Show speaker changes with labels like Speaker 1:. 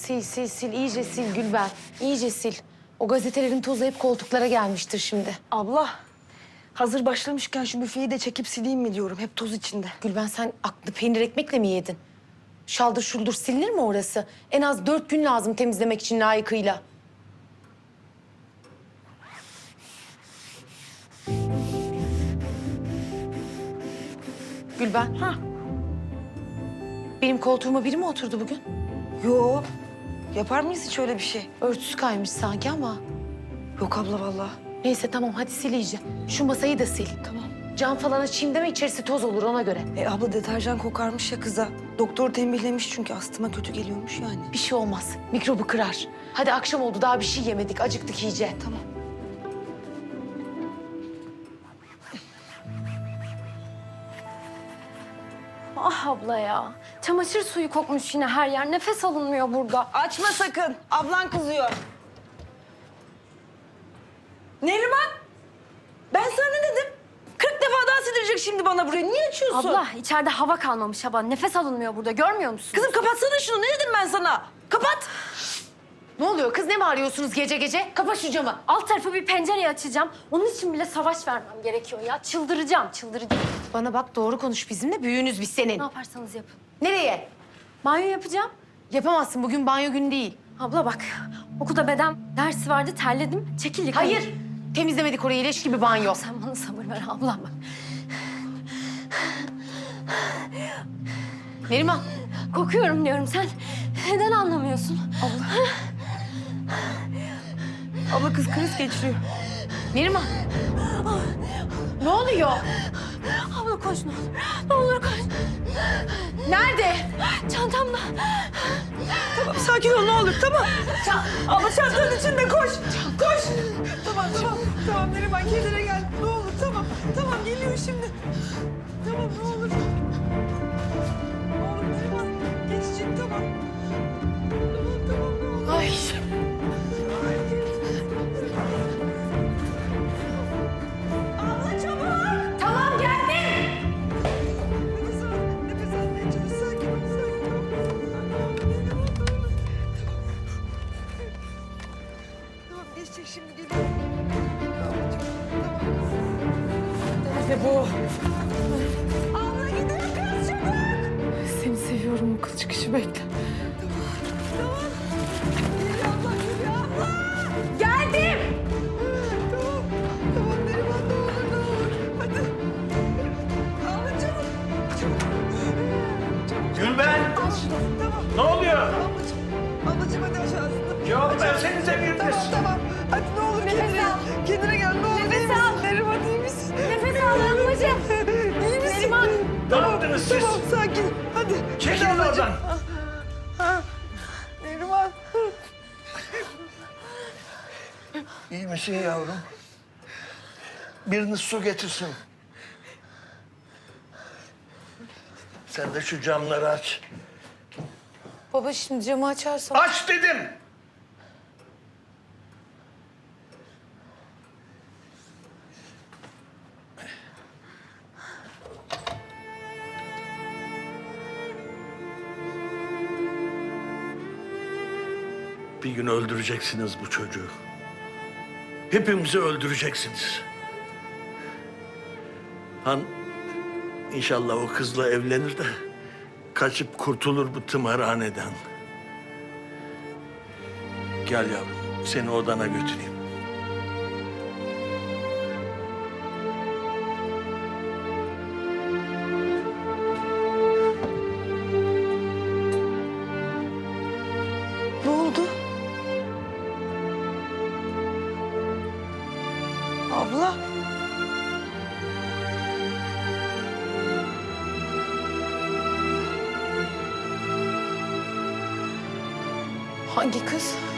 Speaker 1: sil. İyice sil Gülben. İyice sil. O gazetelerin tozu hep koltuklara gelmiştir şimdi.
Speaker 2: Abla, hazır başlamışken şu büfeyi de çekip sileyim mi diyorum. Hep toz içinde.
Speaker 1: Gülben sen aklı peynir ekmekle mi yedin? Şaldır şuldur silinir mi orası? En az 4 gün lazım temizlemek için layıkıyla. Gülben.
Speaker 2: Ha.
Speaker 1: Benim koltuğuma biri mi oturdu bugün?
Speaker 2: Yo, yapar mıyız hiç öyle bir şey?
Speaker 1: Örtüsü kaymış sanki ama.
Speaker 2: Yok abla vallahi.
Speaker 1: Neyse tamam hadi sil iyice. Şu masayı da sil.
Speaker 2: Tamam.
Speaker 1: Cam falan açayım deme içerisi toz olur ona göre.
Speaker 2: Abla deterjan kokarmış ya kıza. Doktor tembihlemiş çünkü astıma kötü geliyormuş yani.
Speaker 1: Bir şey olmaz. Mikrobu kırar. Hadi akşam oldu daha bir şey yemedik. Acıktık iyice.
Speaker 2: Tamam.
Speaker 3: Ah abla ya. Çamaşır suyu kokmuş yine her yer. Nefes alınmıyor burada.
Speaker 2: Açma sakın. Ablan kızıyor. Neriman, ben sana ne dedim? 40 defa daha sildirecek şimdi bana burayı. Niye açıyorsun?
Speaker 3: Abla içeride hava kalmamış abla. Nefes alınmıyor burada. Görmüyor musun?
Speaker 2: Kızım kapatsana şunu. Ne dedim ben sana? Kapat.
Speaker 1: Ne oluyor kız ne mi arıyorsunuz gece gece? Kapa şu camı.
Speaker 3: Alt tarafı bir pencereyi açacağım. Onun için bile savaş vermem gerekiyor ya. Çıldıracağım.
Speaker 1: Bana bak doğru konuş bizimle. Büyüğünüz biz senin.
Speaker 3: Ne yaparsanız yapın.
Speaker 1: Nereye?
Speaker 3: Banyo yapacağım.
Speaker 1: Yapamazsın. Bugün banyo günü değil.
Speaker 3: Abla bak. Okulda beden dersi vardı. Terledim. Çekil yıkayın.
Speaker 1: Hayır. Temizlemedik orayı. Leş gibi banyo.
Speaker 3: Sen bana sabır ver ablam bak.
Speaker 1: Neriman.
Speaker 3: Kokuyorum diyorum. Sen neden anlamıyorsun?
Speaker 2: Abla kız kriz geçiriyor.
Speaker 1: Neriman. Ne oluyor?
Speaker 3: Abla koş ne olur. Ne olur koş.
Speaker 1: Nerede?
Speaker 3: Çantamda.
Speaker 2: Tamam sakin ol ne olur tamam. Abla çantanın içinde koş. Koş. Tamam Neriman kendine gel. Ne olur tamam geliyor şimdi. Tamam ne olur. Ne olur Neriman geçecek tamam. Tamam ne olur.
Speaker 1: Ay.
Speaker 2: Abla çabuk.
Speaker 1: Tamam geldim.
Speaker 2: Nefes almaya çalış sakin ol. Tamam geçecek şimdi geliyor.
Speaker 1: Ve bu.
Speaker 2: Abla gidiyor kız çabuk.
Speaker 1: Seni seviyorum okul çıkışı bekle.
Speaker 2: Geliyor abla.
Speaker 1: Geldim.
Speaker 2: Tamam Neriman ne olur. Hadi. Abla çabuk.
Speaker 4: Gülben!
Speaker 2: Tamam.
Speaker 4: Ne oluyor?
Speaker 2: Ablacığım hadi aşağısına.
Speaker 4: Cevap versenize biriniz.
Speaker 2: Tamam. Hadi ne olur kendine gel. Ne olur
Speaker 3: Nefes
Speaker 2: iyi misin?
Speaker 3: al.
Speaker 2: Neriman iyi misin?
Speaker 3: Nefes al ablacığım.
Speaker 2: İyi misin?
Speaker 3: Neriman.
Speaker 4: Ne yaptınız siz?
Speaker 2: Tamam sakin. Hadi.
Speaker 4: Çekilin
Speaker 2: Hadi ablacığım.
Speaker 4: oradan.
Speaker 2: Neriman.
Speaker 4: İyi misin yavrum? Biriniz su getirsin. Sen de şu camları aç.
Speaker 1: Baba şimdi camı açarsan.
Speaker 4: Aç dedim! Bir gün öldüreceksiniz bu çocuğu. Hepimizi öldüreceksiniz. Han inşallah o kızla evlenir de kaçıp kurtulur bu tımarhaneden. Gel yavrum, seni odana götüreyim.
Speaker 2: Ne oldu? Abla.
Speaker 1: Hangi kız?